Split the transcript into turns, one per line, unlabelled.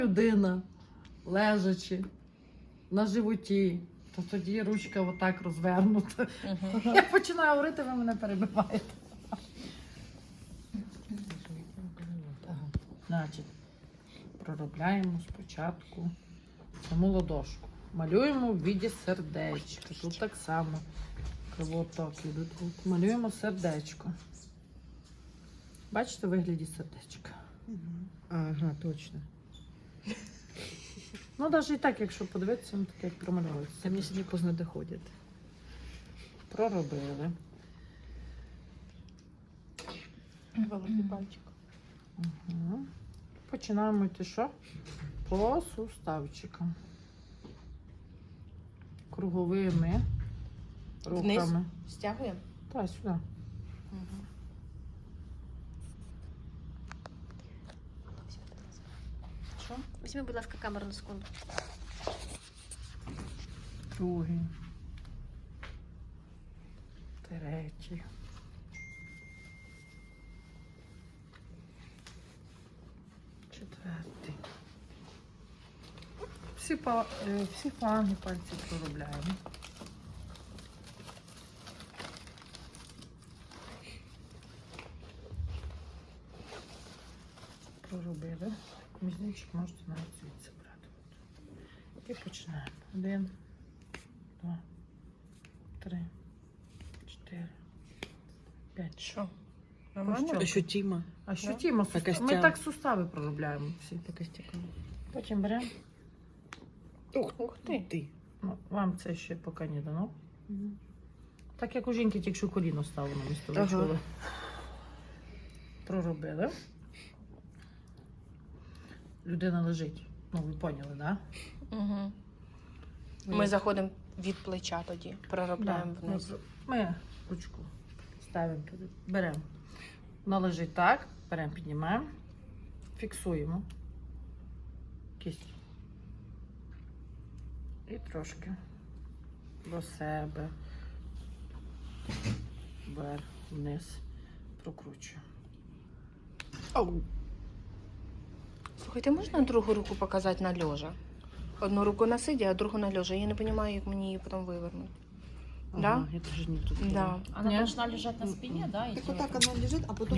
Людина, лежачи на животі, то тоді ручка отак розвернута. Я починаю говорити, ви мене перебиваєте. Значить, проробляємо спочатку саму ладошку. Малюємо в віді сердечка. Тут так само кровоток іде. Малюємо сердечко. Бачите, в вигляді сердечка.
Ага, точно.
Ну, навіть і так, якщо подивитися, ну таке як промальовується.
Це мені сьогодні поздно доходять.
Проробили.
Великий пальчик.
Угу. Починаємо йти що? По суставчикам. Круговими
Вниз?
рухами.
Стягуємо?
Так, сюди.
Що? Візьми, будь ласка, камеру на секунду.
Другий. Третій. Четвертий. Всі фланги пальців проробляємо. Проробили. Мізничок можете навіть звідси брати. І починаємо. 1, 2, 3, 4, 5.
Що?
Нормально?
Ощутимо.
А ощутимо.
По костям.
Ми так сустави проробляємо всі.
По костякам.
Потім беремо.
Ух ти.
Ти.
Ну, вам це ще поки не дано. Так як у жінки тільки що коліно стало на місто.
Ага.
Відчули. Проробили. Людина лежить. Ну, ви поняли, так?
Угу. Ми заходимо від плеча тоді, проробляємо вниз.
Ми ручку ставимо туди, беремо. Вона лежить так, беремо, піднімаємо, фіксуємо кість. І трошки до себе, вверх, вниз, прокручуємо.
Оу.
Слухайте, можна другу руку показати на льожа? Одну руку на сиді, а другу на льожа. Я не розумію, як мені її потім вивернути.
Ага, я теж не тут.
Да.
Она
Нет.
должна лежать на спине, да?
Так
идёт?
вот так она лежит, а потом